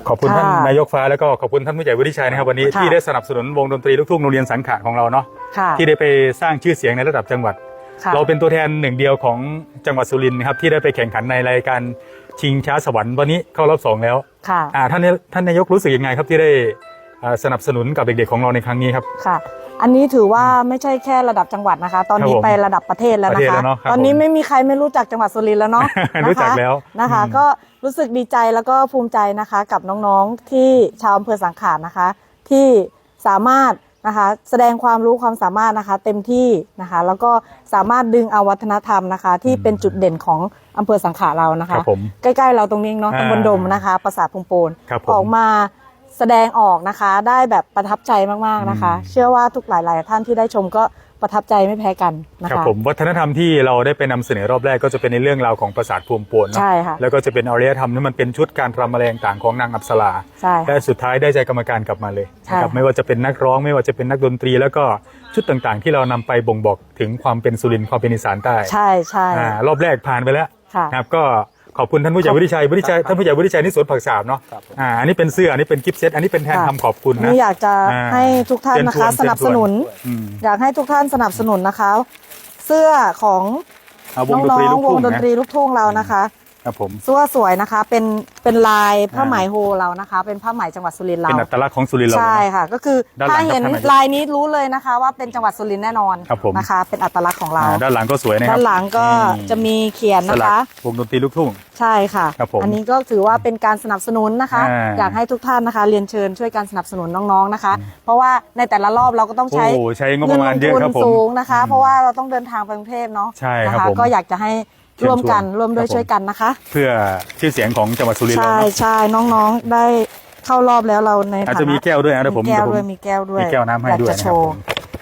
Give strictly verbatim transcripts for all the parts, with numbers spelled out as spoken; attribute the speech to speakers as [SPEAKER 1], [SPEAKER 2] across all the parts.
[SPEAKER 1] ขอบคุณท่านนายกฟ้าแล้วก็ขอบคุณท่านผู้ใหญ่วุฒิชัยนะครับวันนี้ที่ได้สนับสนุนวงดนตรีลูกทุ่งโรงเรียนสังขะของเราเนาะที่ได้ไปสร้างชื่อเสียงในระดับจังหวัดเราเป็นตัวแทนหนึ่งเดียวของจังหวัดสุรินทร์นะครับที่ได้ไปแข่งขันในรายการชิงช้าสวรรค์วันนี้เข้ารอบสองแล้วท่านท่านนายกรู้สึกยังไงครับที่ได้สนับสนุนกับเด็กๆของเราในครั้งนี้ครับ
[SPEAKER 2] ค่ะอันนี้ถือว่าไม่ใช่แค่ระดับจังหวัดนะคะตอนนี้ไประดับประเทศแล้วนะคะตอนนี้ไม่มีใครไม่รู้จักจังหวัดสุรินทร์แล้วเนาะ
[SPEAKER 1] รู้จักแล้ว
[SPEAKER 2] นะคะก็รู้สึกดีใจแล้วก็ภูมิใจนะคะกับน้องๆที่ชาวอำเภอสังขะนะคะที่สามารถนะคะแสดงความรู้ความสามารถนะคะเต็มที่นะคะแล้วก็สามารถดึงเอาวัฒนธรรมนะคะที่เป็นจุดเด่นของอำเภอสังขะเรานะคะใกล้ๆเราตรงนี้เนาะตำบลดมนะคะปราสาทพุงโปนออกมาแสดงออกนะคะได้แบบประทับใจมากๆนะคะเชื่อว่าทุกหลายๆท่านที่ได้ชมก็ประทับใจไม่แพ้กันนะคะ
[SPEAKER 1] ครับผมวัฒนธรรมที่เราได้ไปนำเสนอรอบแรกก็จะเป็นในเรื่องราวของปราสาทภูมิโปน
[SPEAKER 2] ใช่ค่ะ
[SPEAKER 1] แล้วก็จะเป็นอารยธรรมที่มันเป็นชุดการรำแมลงต่างของนางอัปสรา
[SPEAKER 2] ใช่
[SPEAKER 1] และสุดท้ายได้ใจกรรมการกลับมาเลยนะครับไม่ว่าจะเป็นนักร้องไม่ว่าจะเป็นนักดนตรีแล้วก็ชุดต่างๆที่เรานำไปบ่งบอกถึงความเป็นสุรินทร์ความเป็นอีสานใต้
[SPEAKER 2] ใช่ใช่
[SPEAKER 1] รอบแรกผ่านไปแล้วนะครับก็ขอบคุณท่านผู้ใหญ่วุฒิชัยวุฒิชัยท่านผู้ใหญ่วุฒิชัยนี่สวนผักสาบเนาะอ่าอันนี้เป็นเสื้ออันนี้เป็นกิฟต์เซตอันนี้เป็นแทนคำขอบคุณนะ
[SPEAKER 2] นี่อยากจะให้ทุกท่านนะคะสนับสนุนอยากให้ทุกท่านสนับสนุนนะคะเสื้อของน้องๆวงดนตรีลูกทุ่งเรานะคะ
[SPEAKER 1] ครับผม
[SPEAKER 2] เสื้อสวยนะคะเป็นเป็นลายผ้าไหมโฮเรานะคะเป็นผ้าไหมจังหวัดสุรินทร์เรา
[SPEAKER 1] เป็นอัตลักษณ์ของสุรินทร์เรา
[SPEAKER 2] ใช่ค่ะก็คือถ้าเห็นลายนี้รู้เลยนะคะว่าเป็นจังหวัดสุรินทร์แน่นอนนะคะเป็นอัตลักษณ์ของเรา
[SPEAKER 1] ด้านหลังก็สวยนะครับ
[SPEAKER 2] ด้านหลังก็จะมีเขียนนะคะ
[SPEAKER 1] วงดนตรีลูกทุ่ง
[SPEAKER 2] ใช่ค่ะอันนี้ก็ถือว่าเป็นการสนับสนุนนะคะอยากให้ทุกท่านนะคะเรียนเชิญช่วยการสนับสนุนน้องๆนะคะเพราะว่าในแต่ละรอบเราก็ต้องใช้
[SPEAKER 1] เงินลงทุน
[SPEAKER 2] สูงนะคะเพราะว่าเราต้องเดินทางไปกรุงเทพเนาะนะคะก็อยากจะให้ร่วมกันร่วมด้วยช่วยกันนะคะ
[SPEAKER 1] เพื่อชื่อเสียงของจังหวัดสุรินทร์เรา
[SPEAKER 2] ใช่ใช่น้องๆได้เข้ารอบแล้วเราใน
[SPEAKER 1] อาจจะมีแก้วด้วยนะผม
[SPEAKER 2] มีแก้วด้วยมีแก้วด้วย
[SPEAKER 1] มีแก้วน้ำให้ด้วย
[SPEAKER 2] จะโชว์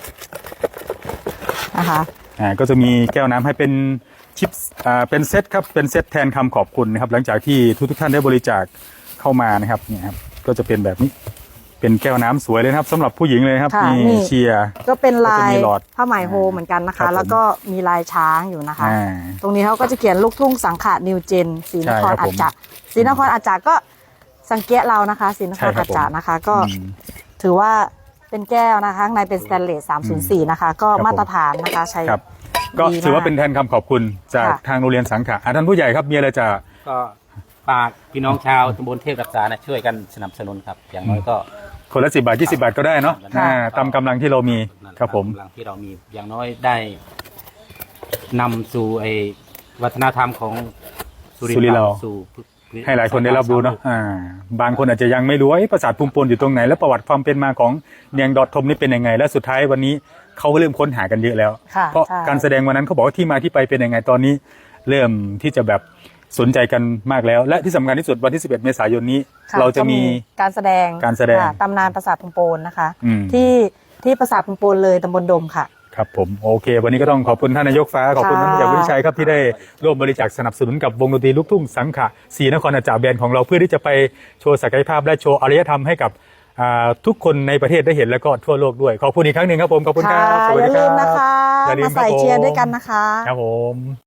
[SPEAKER 2] นะคะ
[SPEAKER 1] อ่าก็จะมีแก้วน้ำให้เป็นชิปอ่าเป็นเซตครับเป็นเซตแทนคำขอบคุณนะครับหลังจากที่ทุกทุกท่านได้บริจาคเข้ามานะครับเนี่ยครับก็จะเป็นแบบนี้เป็นแก้วน้ำสวยเลยครับสำหรับผู้หญิงเลยครับมีเชียร์
[SPEAKER 2] ก็เป็นลายผ้าไหมโฮเหมือนกันนะคะแล้วก็มีลายช้างอยู่นะคะตรงนี้เขาก็จะเขียนลูกทุ่งสังขะนิวเจนศรีนครอาจารย์ศรีนครอาจารย์ก็สังเกตเรานะคะศรีนครอาจารย์นะคะก็ถือว่าเป็นแก้วนะคะข้างในเป็นสแตนเลสสามศูนย์สี่นะคะก็มาตรฐานนะคะใช้
[SPEAKER 1] ก็ถือว่าเป็นแทนคำขอบคุณจากทางโรงเรียนสังขะท่านผู้ใหญ่ครับมีอะไรจะ
[SPEAKER 3] ก็ฝากพี่น้องชาวตำบลเทพรักษานะช่วยกันสนับสนุนครับอย่างน้อยก็
[SPEAKER 1] คนละสิบบาทยี่สิบาทก็ได้เนาะตามกำลังที่เรามีครับผม
[SPEAKER 3] กำลังที่เรามีอย่างน้อยได้นำสู่ไอ้วัฒนธรรมของ
[SPEAKER 1] สุรินทร์เราสู่ให้หลายคนได้รับรู้เนาะบางคนอาจจะยังไม่รู้ว่าปราสาทภูมิโปนอยู่ตรงไหนและประวัติความเป็นมาของเนียงดอททมนี่เป็นยังไงและสุดท้ายวันนี้เขาก็เริ่มค้นหากันเยอะแล้วเพราะการแสดงวันนั้นเขาบอกว่าที่มาที่ไปเป็นยังไงตอนนี้เริ่มที่จะแบบสนใจกันมากแล้วและที่สำคัญที่สุดวันที่สิบเอ็ดเมษายนนี้เราจะมี
[SPEAKER 2] การแสดง
[SPEAKER 1] การแสดง
[SPEAKER 2] ตำนานปราสาทพุงโปนนะคะที่ที่ปราสาทพุงโปนเลยตำบลดมค่ะ
[SPEAKER 1] ครับผมโอเควันนี้ก็ต้องขอบคุณท่านนายกฟ้าขอบคุณท่านผู้ใหญ่วุฒิชัยครับที่ได้ร่วมบริจาคสนับสนุนกับวงดนตรีลูกทุ่งสังขะศรีนครอาจารย์แบนด์ของเราเพื่อที่จะไปโชว์ศักยภาพและโชว์อารยธรรมให้กับทุกคนในประเทศได้เห็นแล้วก็ทั่วโลกด้วยขอบคุณอีกครั้งหนึ่งครับผมขอบคุณครับ
[SPEAKER 2] อย่าลืมนะคะมาใส่เชียร์ด้วยกันนะคะ
[SPEAKER 1] ครับผม